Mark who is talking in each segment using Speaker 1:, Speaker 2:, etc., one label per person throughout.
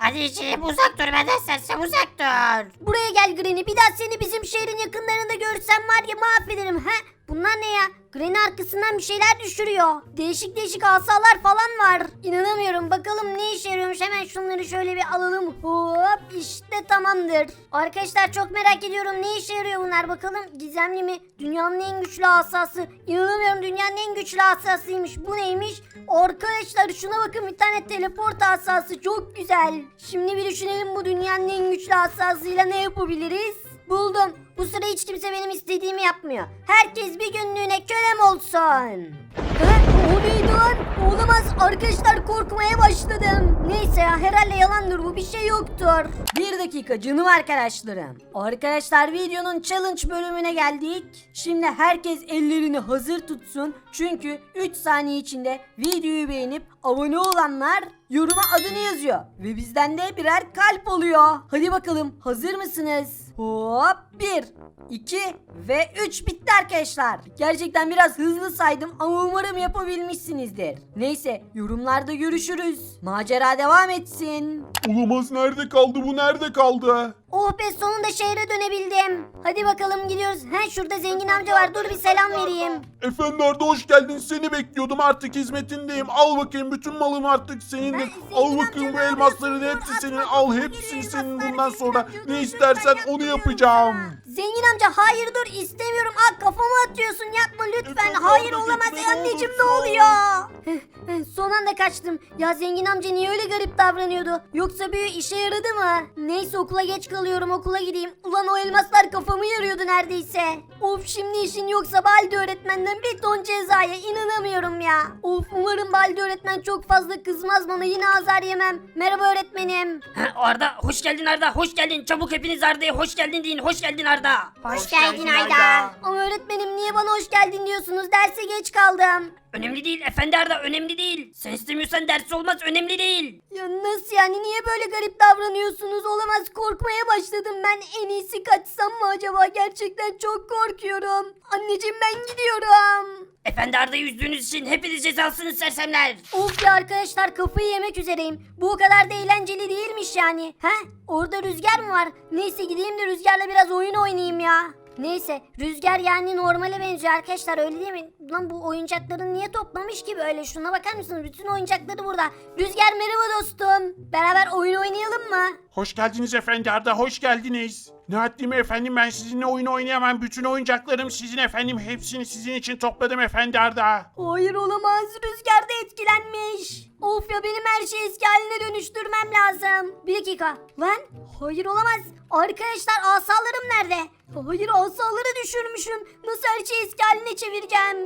Speaker 1: Anneciğim uzak dur benden sersem uzak dur.
Speaker 2: Buraya gel Granny. Bir daha seni bizim şehrin yakınlarında görsem var ya mahvederim. He? Bunlar ne ya? Granny arkasından bir şeyler düşürüyor. Değişik değişik asalar falan var. İnanamıyorum. Bakalım ne işe yarıyormuş. Hemen şunları şöyle bir alalım. Hop işte tamamdır. Arkadaşlar çok merak ediyorum. Ne işe yarıyor bunlar? Bakalım gizemli mi? Dünyanın en güçlü asası. İnanamıyorum dünyanın en güçlü asasıymış. Bu neymiş? Arkadaşlar şuna bakın bir tane teleport asası. Çok güzel. Şimdi bir düşünelim bu dünyanın en güçlü asasıyla ne yapabiliriz? Buldum. Bu sıra hiç kimse benim istediğimi yapmıyor. Herkes bir günlüğüne kölem olsun. O neydi lan? Olamaz. Arkadaşlar korkmaya başladım. Neyse ya herhalde yalandır bu. Bir şey yoktur. Bir dakika canım arkadaşlarım. Arkadaşlar videonun challenge bölümüne geldik. Şimdi herkes ellerini hazır tutsun. Çünkü 3 saniye içinde videoyu beğenip abone olanlar yoruma adını yazıyor. Ve bizden de birer kalp oluyor. Hadi bakalım hazır mısınız? Hop 1, 2 ve 3 bitti arkadaşlar. Gerçekten biraz hızlı saydım ama umarım yapabilmişsinizdir. Neyse yorumlarda görüşürüz. Macera devam etsin.
Speaker 3: Olamaz, nerede kaldı bu, nerede kaldı?
Speaker 2: Oh be sonunda şehre dönebildim. Hadi bakalım gidiyoruz. He şurada zengin amca var dur bir selam vereyim.
Speaker 3: Efendi Arda hoş geldin, seni bekliyordum, artık hizmetindeyim. Al bakayım, bütün malım artık senindir.
Speaker 2: Zengin
Speaker 3: Al
Speaker 2: amca,
Speaker 3: bakayım bu
Speaker 2: ne
Speaker 3: elmasların
Speaker 2: yapıyorsun?
Speaker 3: hepsi senin,
Speaker 2: Atma,
Speaker 3: al
Speaker 2: atma,
Speaker 3: hepsini
Speaker 2: geliyor
Speaker 3: senin,
Speaker 2: elmaslar,
Speaker 3: bundan sonra
Speaker 2: geliyor,
Speaker 3: ne
Speaker 2: lütfen
Speaker 3: istersen onu
Speaker 2: yapmıyorum
Speaker 3: yapacağım.
Speaker 2: Zengin amca hayır dur istemiyorum. Kafamı atıyorsun yapma lütfen.
Speaker 3: Efendim,
Speaker 2: Hayır
Speaker 3: abla,
Speaker 2: olamaz
Speaker 3: gitme, ne
Speaker 2: anneciğim ne
Speaker 3: olursun.
Speaker 2: oluyor? Son anda kaçtım. Ya zengin amca niye öyle garip davranıyordu? Yoksa büyü işe yaradı mı? Neyse okula geç kalıyorum okula gideyim. Ulan o elmaslar kafamı yarıyordu neredeyse. Of şimdi işin yoksa Baldi öğretmenden bir ton cezaya inanamıyorum ya. Of umarım Baldi öğretmen çok fazla kızmaz bana yine azar yemem. Merhaba öğretmenim.
Speaker 4: Arda hoş geldin Arda hoş geldin çabuk hepiniz Arda'ya hoş geldin deyin hoş geldin Arda.
Speaker 1: Hoş geldin Ayda.
Speaker 2: Ama öğretmenim niye bana hoş geldin diyorsunuz? Derse geç kaldım.
Speaker 4: Önemli değil efendi Arda önemli değil. Sen istemiyorsan ders olmaz önemli değil.
Speaker 2: Ya nasıl yani niye böyle garip davranıyorsunuz? Olamaz korkmaya başladım ben. En iyisi kaçsam mı acaba? Gerçekten çok korkuyorum. Anneciğim ben gidiyorum.
Speaker 4: Efendi Arda'yı üzdüğünüz için hepiniz cezalısınız sersemler.
Speaker 2: Of ya arkadaşlar kafayı yemek üzereyim. Bu o kadar da eğlenceli değilmiş yani. He? Orada Rüzgar mı var? Neyse gideyim de Rüzgar'la biraz oyun oynayayım ya. Neyse Rüzgar yani normale benziyor arkadaşlar öyle değil mi? Lan bu oyuncakları niye toplamış ki böyle? Şuna bakar mısınız? Bütün oyuncakları burada. Rüzgar merhaba dostum. Beraber oyun oynayalım mı?
Speaker 3: Hoş geldiniz Efendi Arda, hoş geldiniz. Ne haddime efendim, ben sizinle oyun oynayamam. Bütün oyuncaklarım sizin efendim, hepsini sizin için topladım Efendi Arda.
Speaker 2: Hayır olamaz. Rüzgar da etkilenmiş. Of ya benim her şeyi eski haline dönüştürmem lazım. Bir dakika. Lan hayır olamaz. Arkadaşlar asalarım nerede? Hayır asaları düşürmüşüm. Nasıl her şeyi eski haline çevireceğim?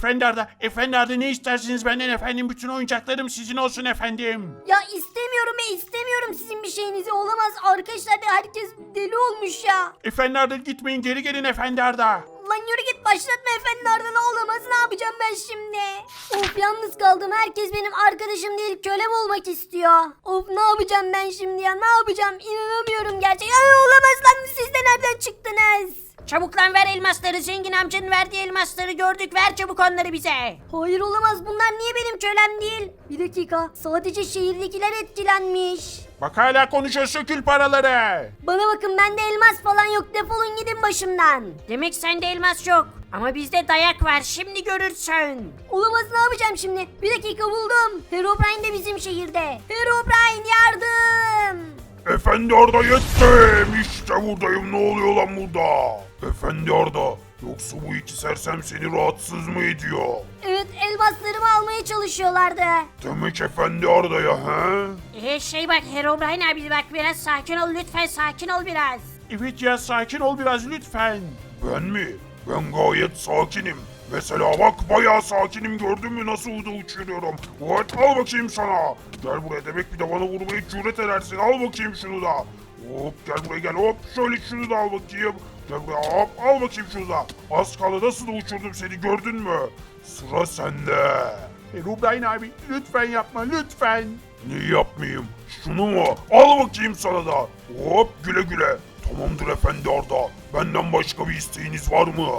Speaker 3: Efendi Arda ne istersiniz benden efendim? Bütün oyuncaklarım sizin olsun efendim.
Speaker 2: Ya istemiyorum istemiyorum sizin bir şeyinizi. Olamaz arkadaşlar herkes deli olmuş ya.
Speaker 3: Efendi Arda gitmeyin, geri gelin Efendi Arda.
Speaker 2: Lan yürü git başlatma efendi ardına olamaz ne yapacağım ben şimdi? Of yalnız kaldım herkes benim arkadaşım değil kölem olmak istiyor. Of ne yapacağım ben şimdi ya ne yapacağım inanamıyorum gerçekten. Olamaz lan siz de nereden çıktınız?
Speaker 4: Çabuk lan ver elmasları zengin amcanın verdiği elmasları gördük ver çabuk onları bize.
Speaker 2: Hayır olamaz bunlar niye benim kölem değil? Bir dakika sadece şehirdekiler etkilenmiş.
Speaker 3: Bak hala konuşuyor, sökül paraları.
Speaker 2: Bana bakın bende elmas falan yok defolun gidin başımdan.
Speaker 4: Demek sende elmas yok ama bizde dayak var şimdi görürsün.
Speaker 2: Olamaz ne yapacağım şimdi? Bir dakika buldum. Herobrine de bizim şehirde. Herobrine yardım.
Speaker 3: Efendi Arda yettim. İşte buradayım, ne oluyor lan burada? Efendi Arda, yoksa bu iki sersem seni rahatsız mı ediyor?
Speaker 2: Evet elmaslarımı almaya çalışıyorlardı.
Speaker 3: Demek Efendi Arda'ya he?
Speaker 4: Bak Herobrine abi bak biraz sakin ol lütfen sakin ol biraz.
Speaker 3: Evet ya, sakin ol biraz lütfen. Ben mi? Ben gayet sakinim. Mesela bak bayağı sakinim, gördün mü nasıl da uçuruyorum. Evet, al bakayım sana. Gel buraya, demek bir de bana vurmayı cüret edersin. Al bakayım şunu da. Hop gel buraya gel, hop şöyle şunu da al bakayım. Gel buraya hop al bakayım şunu da. Az kaldı nasıl da uçurdum seni, gördün mü? Sıra sende. Herobrine abi lütfen yapma lütfen. Niye yapmayayım? Şunu mu? Al bakayım sana da. Hop güle güle. Tamamdır Efendi Arda. Benden başka bir isteğiniz var mı?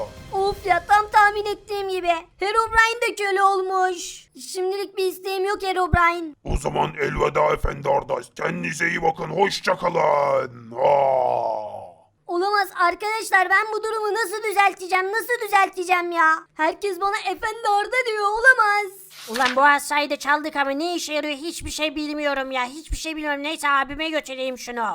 Speaker 2: Of ya, tam tahmin ettiğim gibi. Herobrine de köle olmuş. Şimdilik bir isteğim yok Herobrine.
Speaker 3: O zaman elveda efendi Arda. Kendinize iyi bakın. Hoşça kalın. Aa.
Speaker 2: Olamaz arkadaşlar, ben bu durumu nasıl düzelteceğim ya? Herkes bana efendi Arda diyor, olamaz.
Speaker 4: Ulan bu asayı da çaldık ama ne işe yarıyor hiçbir şey bilmiyorum ya. Hiçbir şey bilmiyorum. Neyse abime götüreyim şunu.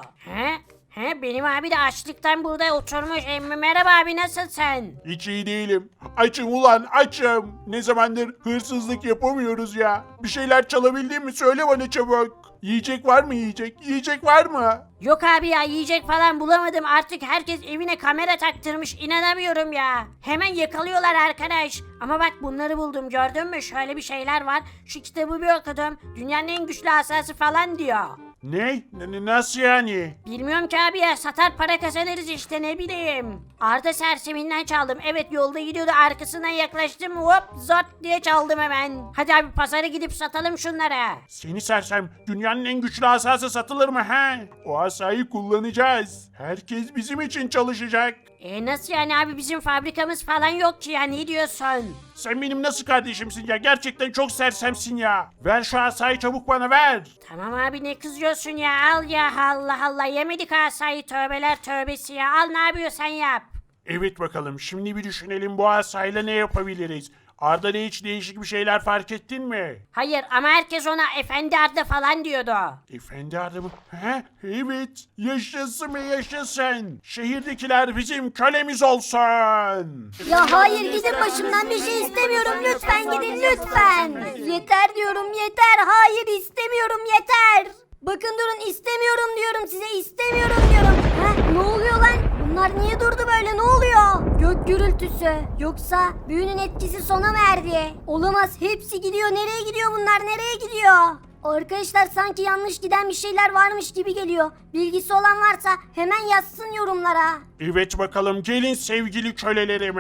Speaker 4: He benim abi de açlıktan burada oturmuş. Merhaba abi, nasılsın?
Speaker 3: Hiç iyi değilim. Açım ulan açım. Ne zamandır hırsızlık yapamıyoruz ya. Bir şeyler çalabildin mi söyle bana çabuk. Yiyecek var mı yiyecek? Yiyecek var mı?
Speaker 4: Yok abi ya, yiyecek falan bulamadım. Artık herkes evine kamera taktırmış. İnanamıyorum ya. Hemen yakalıyorlar arkadaş. Ama bak bunları buldum, gördün mü? Şöyle bir şeyler var. Şu kitabı bir okudum. Dünyanın en güçlü asası falan diyor.
Speaker 3: Ne? Nasıl yani?
Speaker 4: Bilmiyorum ki abi ya, satar para kazanırız işte, ne bileyim. Arda serseminden çaldım. Evet, yolda gidiyordu, arkasından yaklaştım, hop zort diye çaldım hemen. Hadi abi pazara gidip satalım şunlara.
Speaker 3: Seni sersem, dünyanın en güçlü asası satılır mı he? O asayı kullanacağız. Herkes bizim için çalışacak.
Speaker 4: Nasıl yani abi, bizim fabrikamız falan yok ki ya, ne diyorsun?
Speaker 3: Sen benim nasıl kardeşimsin ya? Gerçekten çok sersemsin ya. Ver şu asayı çabuk bana ver.
Speaker 4: Tamam abi, ne kızıyorsun ya, al ya, Allah Allah, yemedik asayı, tövbeler tövbesi ya, al ne yapıyorsan yap.
Speaker 3: Evet bakalım, şimdi bir düşünelim bu asayla ne yapabiliriz? Arda'da hiç değişik bir şeyler fark ettin mi?
Speaker 4: Hayır ama herkes ona efendi Arda falan diyordu.
Speaker 3: Efendi Arda mı? He? Evet. Yaşasın mı yaşasın. Şehirdekiler bizim kölemiz olsun.
Speaker 2: Ya hayır, gidin başımdan, bir şey istemiyorum, lütfen gidin lütfen. Yeter diyorum, yeter, hayır istemiyorum, yeter. Bakın durun, istemiyorum diyorum size, istemiyorum diyorum. Ne oluyor lan? Bunlar niye durdu böyle, ne oluyor? Gök gürültüsü. Yoksa büyünün etkisi sona mı erdi? Olamaz, hepsi gidiyor, nereye gidiyor bunlar, nereye gidiyor? Arkadaşlar sanki yanlış giden bir şeyler varmış gibi geliyor. Bilgisi olan varsa hemen yazsın yorumlara.
Speaker 3: Evet bakalım, gelin sevgili kölelerim.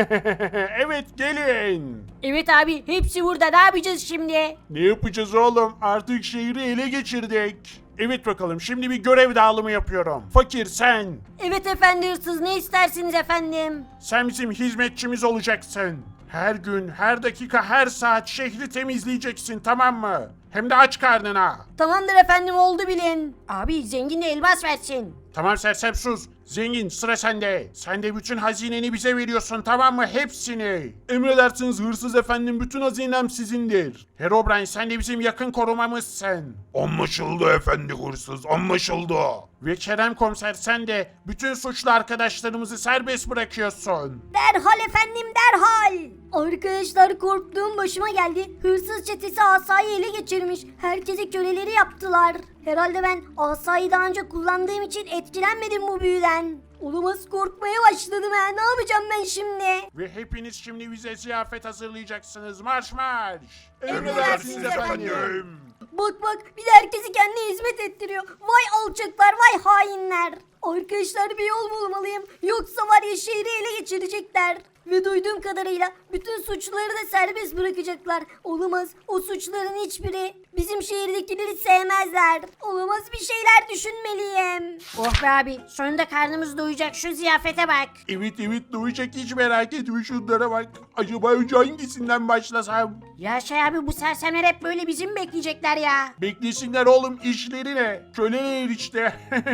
Speaker 3: Evet gelin.
Speaker 4: Evet abi, hepsi burada, ne yapacağız şimdi?
Speaker 3: Ne yapacağız oğlum? Artık şehri ele geçirdik. Evet bakalım, şimdi bir görev dağılımı yapıyorum. Fakir sen.
Speaker 4: Evet efendi hırsız, ne istersiniz efendim?
Speaker 3: Sen bizim hizmetçimiz olacaksın. Her gün, her dakika, her saat şehri temizleyeceksin, tamam mı? Hem de aç karnına.
Speaker 4: Tamamdır efendim, oldu bilin. Abi zengin de elmas versin.
Speaker 3: Tamam sersem sus. Zengin sıra sende. Sen de bütün hazineni bize veriyorsun, tamam mı? Hepsini. Emredersiniz hırsız efendim, bütün hazinem sizindir. Herobrine sen de bizim yakın korumamızsın. Anlaşıldı efendi hırsız, anlaşıldı. Ve Kerem komiser sen de bütün suçlu arkadaşlarımızı serbest bırakıyorsun.
Speaker 2: Derhal efendim, derhal. Arkadaşlar korktuğum başıma geldi. Hırsız çetesi asayı ele geçirmiş. Herkesi köleleri yaptılar. Herhalde ben asayı daha önce kullandığım için etkilenmedim bu büyüden. Olamaz, korkmaya başladım ha. Ne yapacağım ben şimdi?
Speaker 3: Ve hepiniz şimdi bize ziyafet hazırlayacaksınız. Marş marş.
Speaker 2: Emredersiniz efendim.
Speaker 3: efendim.
Speaker 2: Bak bir de herkesi kendine hizmet ettiriyor. Vay alçaklar, vay hainler. Arkadaşlar bir yol bulmalıyım. Yoksa var ya, şehri ele geçirecekler. Ve duyduğum kadarıyla bütün suçluları da serbest bırakacaklar. Olamaz, o suçların hiçbiri bizim şehirdekileri sevmezler. Olamaz, bir şeyler düşünmeliyim.
Speaker 4: Oh be abi, sonunda karnımız doyacak, şu ziyafete bak.
Speaker 3: Evet duyacak, hiç merak etme, şunlara bak. Acaba önce hangisinden başlasam?
Speaker 4: Ya şey abi, bu sersemler hep böyle bizim bekleyecekler ya.
Speaker 3: Beklesinler oğlum, işlerine. Köleler işte.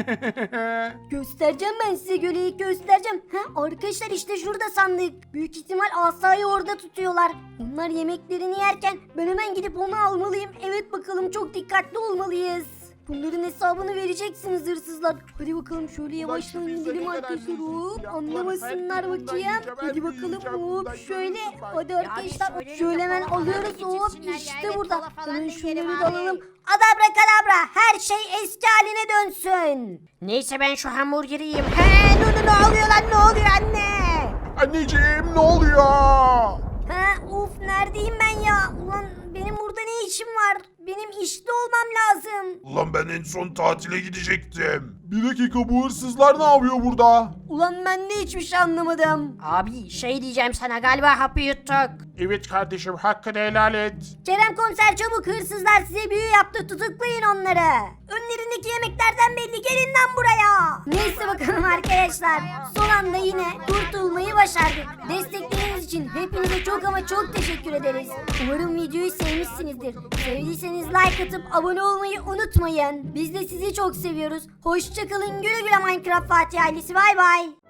Speaker 2: Göstereceğim ben size, göleyi göstereceğim. Arkadaşlar işte şurada sandık. Büyük ihtimal asayı orada tutuyorlar. Onlar yemeklerini yerken ben hemen gidip onu almalıyım. Evet bakalım, çok dikkatli olmalıyız. Bunların hesabını vereceksiniz hırsızlar. Hadi bakalım şöyle yavaştan gidelim arkadaşlar. Hop, anlamasınlar bakayım. Hadi bakalım, hop şöyle. Hadi arkadaşlar şöyle hemen alıyoruz. Hop işte burada. Hemen şunları da alalım. Adabra kadabra, her şey eski haline dönsün.
Speaker 4: Neyse ben şu hamburgeri yiyeyim. Ne oluyor lan, ne oluyor anne?
Speaker 3: Anneciğim ne oluyor?
Speaker 2: Of, neredeyim ben ya? Ulan benim burada ne işim var? Benim işte olmam lazım.
Speaker 3: Ulan ben en son tatile gidecektim. Bir dakika, bu hırsızlar ne yapıyor burada?
Speaker 2: Ulan ben de hiçbir şey anlamadım.
Speaker 4: Abi şey diyeceğim sana, galiba hapı yuttuk.
Speaker 3: Evet kardeşim, hakkını helal et.
Speaker 2: Kerem komiser çabuk, hırsızlar size büyü yaptı, tutuklayın onları. Önlerindeki yemeklerden belli, gelin lan buraya. Neyse bakalım arkadaşlar. arkadaşlar. Son anda yine kurtulmayı başardık. Destekleriniz için hepinize çok ama çok teşekkür ederiz. Umarım videoyu sevmişsinizdir. Sevdiyseniz like atıp abone olmayı unutmayın. Biz de sizi çok seviyoruz. Hoşçakalın, güle güle Minecraft Fatih ailesi, bay bay.